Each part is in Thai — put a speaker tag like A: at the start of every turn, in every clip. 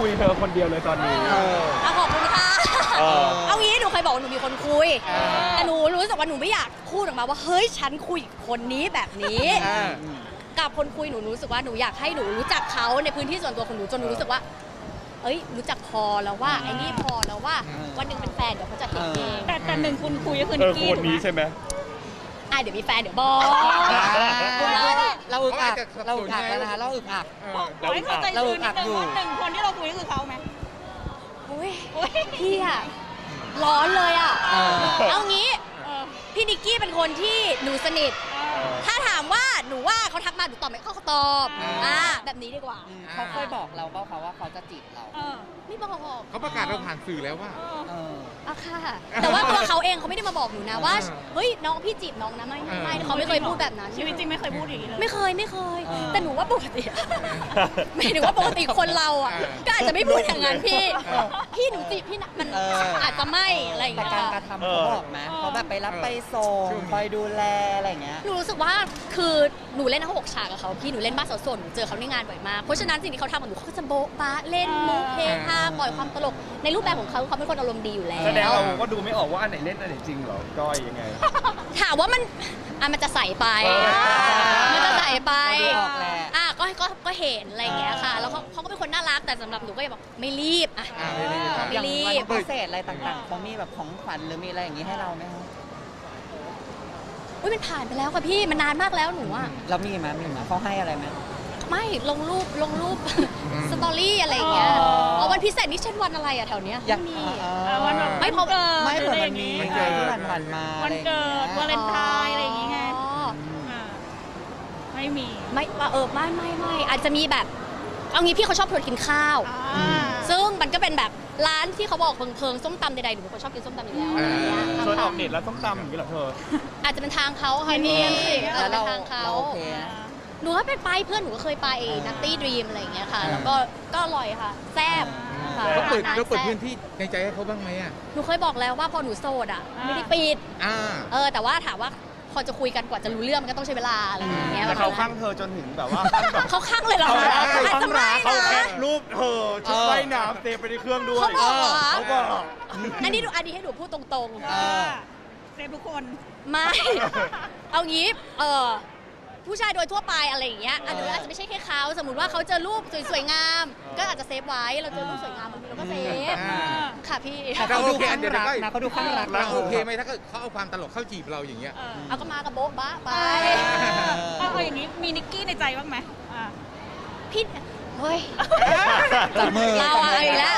A: ยเธอคนเดียวเลยตอนนี้
B: ขอบคุณค่ะเอางี้หนูเคยบอกว่าหนูมีคนคุยแต่หนูรู้สึกว่าหนูไม่อยากพูดออกมาว่าเฮ้ยฉันคุยคนนี้แบบนี้กับคนคุยหนูรู้สึกว่าหนูอยากให้หนูรู้จักเขาในพื้นที่ส่วนตัวของหนูจนหนูรู้สึกว่าเอ้ยรู้จักพอแล้วว่าไอ้นี่พอแล้วว่าวันหนึ่งเป็นแฟนเดี๋ยวเขาจะเห็นเอง
C: แต่หนึ่งคุณคุยก็คือนิกกี้
A: คนนี้ใช่ไหม
B: เดี๋ยวมีแฟนเดี๋ยวบอก
D: เราอึกอักแล้วนะคะเราอึกอัก
C: เราให้เข้าใจชื่อนิดนึงว่าหนึ่งคนที่เราคุยก็คือเขาไหม
B: พี่อะร้อนเลยอะเอางี้พี่นิกกี้เป็นคนที่หนูสนิทถ้าถามว่าหนูว่าเขาทักมาหนูตอบไหมเขาตอบแบบนี้ดีกว่า
D: เขาเคยบอกเราเปล่าคะว่าเขาจะจีบเรา
B: ไม่บอก
E: เขาประกาศเราผ่านสื่อแล้วว่า
B: ค่ะแต่ว่าตัวเขาเองเขาไม่ได้มาบอกหนูนะว่าเฮ้ยน้องพี่จีบน้องนะไม่เขาไม่เคยพูดแบบนั้น
C: ชีวิตจริงไม่เคยพูดอย่างนี้เลย
B: ไม่เคยแต่หนูว่าปกติไม่ถึงว่าปกติคนเราอ่ะก็อาจจะไม่พูดอย่างนั้นพี่หนูจีบพี่มันอาจจะไม่อะไรอย่างเงี้ย
D: แต่การกระทำเขาบอกไหมเขาแบบไปรับไปส่งคอยดูแลอะไรอย่างเงี้ย
B: หนูรู้สึกว่าคือหนูเล่นทั้ง6 ฉากกับเขาพี่หนูเล่นบ้านสาวโสดหนูเจอเขาในงานบ่อยมากเพราะฉะนั้นสิ่งที่เขาทำกับหนูเขาจะโบ๊ะบ้าเล่นมุกเฮฮาปล่อยความตลกในรูปแบบของเขาเป็นคนอารมณ์ดีอยู่แล้ว
A: แสดงเราก็ดูไม่ออกว่าอันไหนเล่นอันไหนจริงเหรอก้อยยังไง
B: ถามว่ามันจะใส่ไปมันจะใส่ไปก็เห็นอะไรอย่างเงี้ยค่ะแล้วเขาก็เป็นคนน่ารักแต่สำหรับหนูก็ยังบอกไม่รีบไม่รีบ
D: พิเศษอะไรต่างๆเขามีแบบของขวัญหรือมีอะไรอย่างงี้ให้เราไหมคะ
B: มันผ่านไปแล้วค่ะพี่มันนานมากแล้วหนูอะ
D: เรามีไหมเขาให้อะไรไหม
B: ไม่ลงรูปสตอรี่อะไรอย่างเงี้ยวันพิเศษนี่เช่นวันอะไรอะแถวเนี้ย
D: ไม่มี
C: วันไม่พอ
D: ไม่เผื่อมันมีที่ผ่านมา
C: วันเกิดวาเลนไทน์อะไรอย่างเงี้ยไม่มี
B: ไม่อาจจะมีแบบเอางี้พี่เขาชอบชวนกินข้าวซึ่งมันก็เป็นแบบร้านที่เขาบอกเพิงส้มตำใดๆหนูเป็นคนชอบกินส้มตำอยู่แล้ว
A: ชวนออกเน็ตแล้วส้มตำอย่างนี้เหรอเธอ
B: อาจจะเป็นทางเขาค่ะพี่อาจจะเป็นทางเขาหนูก็ไปเพื่อนหนูก็เคยไปนัตตี้ดรีมอะไรอย่างเงี้ยค่ะแล้วก็อร่อยค่ะแซ่บ
E: เราเปิดพื้นที่ในใจให้เขาบ้างไหมอ่ะ
B: หนูเคยบอกแล้วว่าพอหนูโสดอ่ะไม่ได้ปิดแต่ว่าถามว่าพอจะคุยกันกว่าจะรู้เรื่องมันก็ต้องใช้เวลาอะไรอย่างเงี้ย
A: แต่เขาข้างเธอจนถึงแบบว่า
B: เขาข้างเลยเหรออาจจะไม่นะ
A: เขาแคปรูปเธอชุดว่ายน้ำเซฟไปในเครื่องด้วย
B: เขาบอกอันนี้ให้หนูพูดตรง
C: ๆเซฟทุกคน
B: ไม่เอางี้ผู้ชายโดยทั่วไปอะไรอย่างเงี้ยอาจจะไม่ใช่แค่เขาสมมติว่าเขาเจอรูปสวยๆงามก็อาจจะเซฟไว้เราเจอรูปสวยงามบางทีเราก็เซฟค่ะพี่
D: เขาดูข้างรักนะเขาดูข้างรัก
E: เราโอเคไหมถ้าเขาเอาความตลกเข้าจีบเราอย่างเงี้ย
B: เอาก็มากับโบ๊ะบ้าไป
C: เอาอย่างนี้มีนิกกี้ในใจบ้างไหม
B: พี่เฮ้ย
D: จับมือ
B: เราเอาอีกแล้ว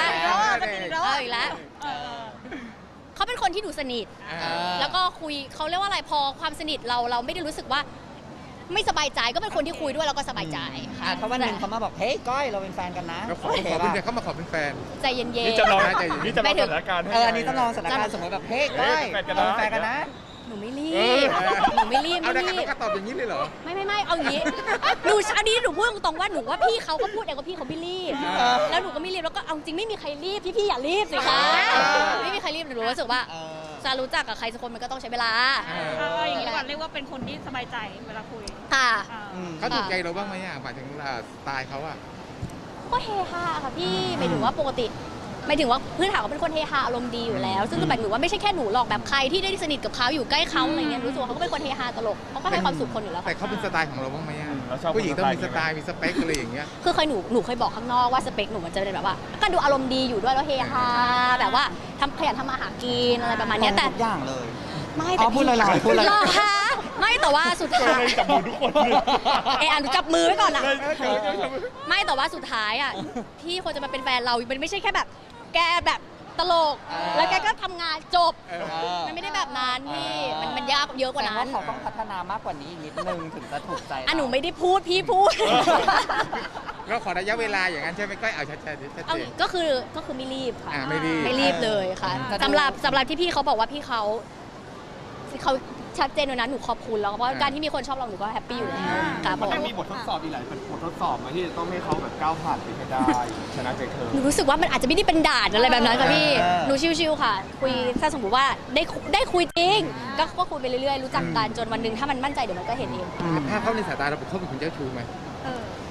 B: เขาเป็นคนที่ดูสนิทแล้วก็คุยเขาเรียกว่าอะไรพอความสนิทเราไม่ได้รู้สึกว่าไม่สบายใจก็เป็นคนที่คุยด้วยแล้วก็สบายใจค่ะ
D: เขาวันหนึ่งเขามาบอกเฮ้ยก้อยเราเป็นแฟนกันนะ
E: เขามาขอเป็นแฟน
B: ใจเย็นๆ
A: นี่จะลองสถานการณ์
D: อันนี้ต้องลองสถานการณ์สมมติแบบเฮ้ยก้อยเราเป็นแฟนกันนะ
B: หนูไม่รีบ
E: เอาแต่ก็ตอบอย่างนี้เลยเหรอ
B: ไม่เอาอย่างนี้อันนี้หนูพูดตรงๆว่าหนูว่าพี่เขาก็พูดเองว่าพี่เขาไม่รีบแล้วหนูก็ไม่รีบแล้วก็เอาจริงไม่มีใครรีบพี่อย่ารีบสิคะไม่มีใครรีบหนูรู้สึกว่าจะรู้จักกับใครสักคนมันก็ต้องใช้เวลา
C: อย่างนี้ก่อนเรียกว่าเป็นคนที่สบายใจเวลาคุย
B: ค่ะ
E: เขาถูกใจเราบ้างไหมหมายถึงสไตล์เขาอะ
B: ก็เฮฮาค่ะพี่หมายถึงว่าปกติหมายถึงว่าพื้นฐานเขาเป็นคนเฮฮาอารมณ์ดีอยู่แล้วซึ่งแบบหนูว่าไม่ใช่แค่หนูหรอกแบบใครที่ได้สนิทกับเขาอยู่ใกล้เขาอะไรเงี้ยรู้สึกว่าเขาก็เป็นคนเฮฮาตลกเขาก็ให้ความสุขคนอยู่แล้ว
E: แต่เขาเป็นสไตล์ของเราบ้างไหมผู้หญิงต้องมีสไตล์มีสเปคอะไรอย่างเงี้ย
B: คือหนูเคยบอกข้างนอกว่าสเปคหนูมันจะเป็นแบบว่าก็ดูอารมณ์ดีอยู่ด้วยแล้วเฮฮาแบบว่าขยันทำมาหากินอะไรประมาณนี้แต่
D: ทุกอย่างเลย
B: ไม่แต่
D: พูดเลยพูดเลย
B: ไม่แต่ว่าสุดท้าย
A: จับมือทุกคน
B: หนูจับมือไว้ก่อนนะไม่แต่ว่าสุดท้ายอ่ะพี่คนจะมาเป็นแฟนเรามันไม่ใช่แค่แบบแกแบบตลกแล้วแกก็ทำงานจบมันไม่ได้แบบนั้นพี่มันยากเยอะกว่านั้น
D: เขาต้องพัฒนามากกว่านี้อีกนิดนึงถึงจะถูกใจ
B: หนูไม่ได้พูดพี่พูด
E: ก็ขอระยะเวลาอย่างนั้นใช่ไหมก็เอาชัด
B: ๆก็คือไม่รีบค่ะไม่รีบเลยค่ะสำหรับที่พี่เขาบอกว่าพี่เขาชัดเจนเลยนะหนูขอบคุณแล้วเพราะการที่มีคนชอบเราหนูก็แฮปปี้อยู่แล้วค่ะ
A: มันมีบททดสอบอีกหลายบททดสอบมาที่จะต้องให้เขาแบบก้าวผ่านไปให้ได้ชนะใจเธอ
B: หนูรู้สึกว่ามันอาจจะไม่ได้เป็นด่านอะไรแบบนั้นค่ะพี่หนูชิวๆค่ะคุยถ้าสมมติว่าได้คุยจริงก็คุยไปเรื่อยๆรู้จักกันจนวันหนึ่งถ้ามันมั่นใจเดี๋ยวมันก็เห็นเอง
E: ถ้าเขาในสายตาเราเป็นคนเจ้าชู้ไหม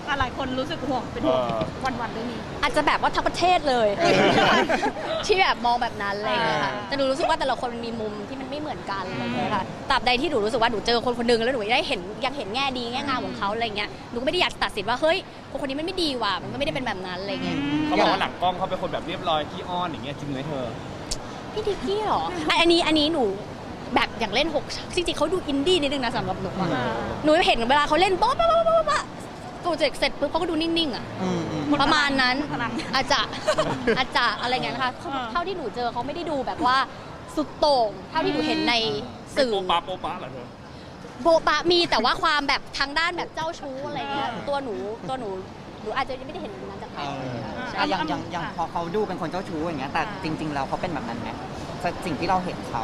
C: หลายคนรู้สึกห่วงเป็นห่วงวันๆเรื่องนี้
B: อาจจะแบบว่าทั้งประเทศเลย ที่แบบมองแบบนั้นอะไรอย่างเงี้ยค่ะแต่หนูรู้สึกว่าแต่ละคนมีมุมที่มันไม่เหมือนกันอะไรอย่างเงี้ยค่ะตราบใดที่หนูรู้สึกว่าหนูเจอคนคนหนึงแล้วหนูได้เห็นยังเห็นแง่ดีแง่งามของเขาอะไรเงี้ยหนูก็ไม่ได้อยากตัดสินว่าเฮ้ยคนนี้มันไม่ดีว่ะมันก็ไม่ได้เป็นแบบนั้นอะไรเงี้ย
A: เขาบอกว่าหลังกล้องเขาเป็นคนแบบเรียบร้อยขี้อ้อนอย่างเงี้ยจริงไหมเธอ
B: พี่ดิกกี้เหรออันนี้หนูแบบอย่างเล่น6จริงๆเขาดูอินดี้นิดนึงนะสำหรับหนูอะหนูเห็นเวลาเขาเล่นโป๊ะโป๊ะโป๊ะโป๊ะโป๊ะโปรเจกต์เสร็จปุ๊บเขาก็ดูนิ่งๆอ่ะประมาณนั้นอาจจะอะไรเงี้ยนะคะเท่าที่หนูเจอเขาไม่ได้ดูแบบว่าสุดโต่งเท่าที่หนูเห็นในสื่อ
A: โปะปะเหรอเธอ
B: โบะปะมีแต่ว่าความแบบทางด้านแบบเจ้าชู้อะไรเงี้ยตัวหนูอาจจะยังไม่ได้เห็นแบบนั้นจากเขา
D: อย่างพอเขาดูเป็นคนเจ้าชู้อย่างเงี้ยแต่จริงๆแล้วเขาเป็นแบบนั้นไหมสิ่งที่เราเห็นเขา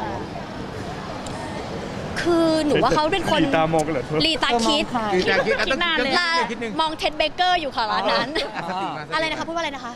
B: คือหนูว่าเขาเป็นคน
A: ลีตามองกันเหรอเธอ
B: ลีตาคิด
E: คือจะคิดต้อง
B: ลา
E: คิดนึง
B: มองเท็ดเบเกอร์อยู่ค่ะร้านนั้น
E: สติมา
B: อะไรนะคะพูดว่าอะไรนะคะ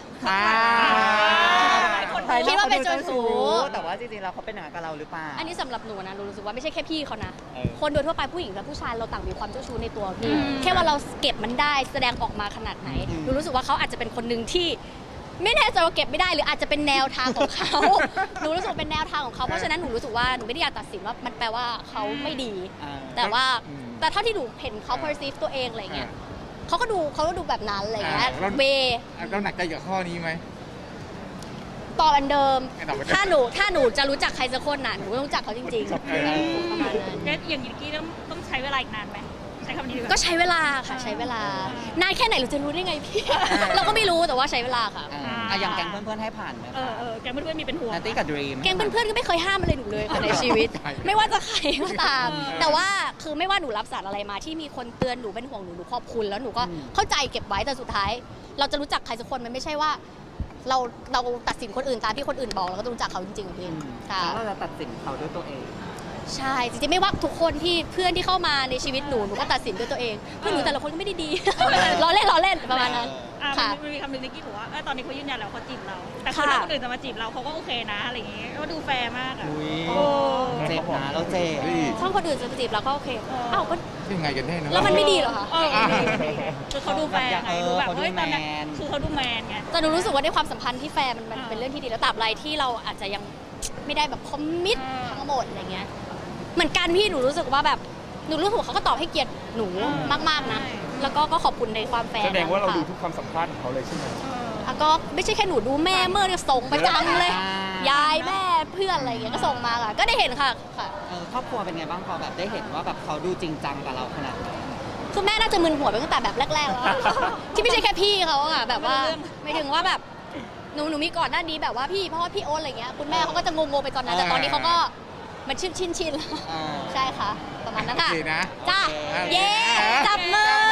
D: ใคร
B: คิดว่าเป็นเจ้าชู้
D: แต่ว่าจริงๆแล้วเขาเป็นอย่างนั้นกับเราหรือเปล่า
B: อันนี้สำหรับหนูนะหนูรู้สึกว่าไม่ใช่แค่พี่เขานะ
D: เออ
B: คนโดยทั่วไปผู้หญิงและผู้ชายเราต่างมีความเจ้าชู้ในตัวพี่ แค่ว่าเราเก็บมันได้แสดงออกมาขนาดไหน หนูรู้สึกว่าเขาอาจจะเป็นคนหนึ่งที่ ไม่แน่ใจว่าเก็บไม่ได้หรืออาจจะเป็นแนวทางของเขา หนูรู้สึกว่าเป็นแนวทางของเขาเพราะฉะนั้นหนูรู้สึกว่าหนูไม่ได้อยากตัดสินว่ามันแปลว่าเขาไม่ดี แต่ว่าแต่เท่าที่หนูเห็นเขา perceive ตัวเองอะไรเงี้ยเขาก็ดูแบบนั้นอะไรเงี้ยเว
E: เราหนักใจกับข้อนี้ไหม
B: ตอบอันเดิม
E: ไม่ตอบอันเดิม
B: ถ้าหนูจะรู้จักใครสักคนน่ะหนูก็ต้องรู้จักเขาจริงๆประมาณนั้น
C: แล้วอย่างนิกกี้ต้องใช้เวลาอีกนานไหมใช้คำนี้ดีกว่า
B: ก็ใช้เวลาค่ะใช้เวลานานแค่ไหนเราจะรู้ได้ไงพี่ เราก็ไม่รู้แต่ว่าใช้เวลาค่ะ
D: อย่างแก๊งเพื่อนๆให้ผ่านไหม
C: แกเพื่อนๆมีเป็นห่วง
D: นัตตี้กับดรีม
B: แกงเพื่อนๆก็ไม่เคยห้ามอะไรหนูเลยค่ะในชีวิต ไม่ว่าจะใครก็ตาม แต่ว่าคือไม่ว่าหนูรับสารอะไรมาที่มีคนเตือนหนูเป็นห่วงหนูขอบคุณแล้วหนูก็เข้าใจเก็บไว้แต่สุดท้าย เราจะรู้จักใครสักคนมันไม่ใช่ว่า เราตัดสินคนอื่นตามที่คนอื่นบอกเราก็ต้องรู้จักเขาจริงๆพี่ค่ะ
D: แล้วเราจะตัดสินเขาด้วยตัวเอง
B: ใช่จริงๆไม่ว่าทุกคนที่เพื่อนที่เข้ามาในชีวิตหนูก็ตัดสินด้วยตัวเองเพื่อนหนูแต่ละคนก็ไม่ได้ดี ล้อเล่นประมาณนั้นค่ะ
C: มันมีคำหนึ่งนิกกี้บอกว่าตอนนี้เขายืนยันแล้วเขาจีบเรา แต่คือถ้าคนอื่นจะมาจีบเราเขาก็โอเคนะอะไรอย่างงี้ก็ดูแฟร์มากอ่ะ
D: เจ็บนะเราเจ็บ
B: ช่องคนอื่นจะจีบเราก็โอเคอ้าวก็
E: ยังไงกันแน่เนอะ
B: แล้วมันไม่ดีเหรอคะ
C: คือเขาดูแฟร์ไงดูแบบเฮ้ยตอนนี้คือเขาดูแมนไง
B: แต่หนูรู้สึกว่าในความสัมพันธ์ที่แฟร์มันเป็นเรื่องที่ดีแล้วตราบใดที่เราอาจจะยังไม่ได้แบบคอมมิตทั้งหมดอะไรเงี้ยเหมือนกันพี่หนูรู้สึกว่าแบบหนูรู้สึกว่าเขาก็ตอบให้เกียรติหนูมากๆนะแล้วก็ขอบคุณในความแฟร์
A: แสดงว่าเราดู
B: นะคะ
A: ทุกความสัมภาษณ์ของเขาเลยใช่ไหม
B: ก็ไม่ใช่แค่หนูดูแม่เมื่อส่งประจำเลย ยายแม่เพื่อนอะไรเงี้ยก็ส่งมาค่ะก็ได้เห็นค่ะ
D: ครอบครัวเป็นไงบ้างพอแบบได้เห็นว่าแบบเขาดูจริงจังกับเราขนาดไหน
B: คือแม่น่าจะมึนหัวไปตั้งแต่แบบแรกๆแล้ว ที่ไม่ใช่แค่พี่เขาอะแบบว่าไม่ถึงว่าแบบหนูมีก่อนหน้านี้แบบว่าพี่เพราะว่าพี่โอ๊ตอะไรเงี้ยคุณแม่เขาก็จะงงๆไปตอนนั้นแต่ตอนนี้เขาก็มันชินแล้วใช่ค่ะประมาณนั้นค่ะ
E: โอเคนะ
B: จ้า
E: โอเค
B: เย้จับมือ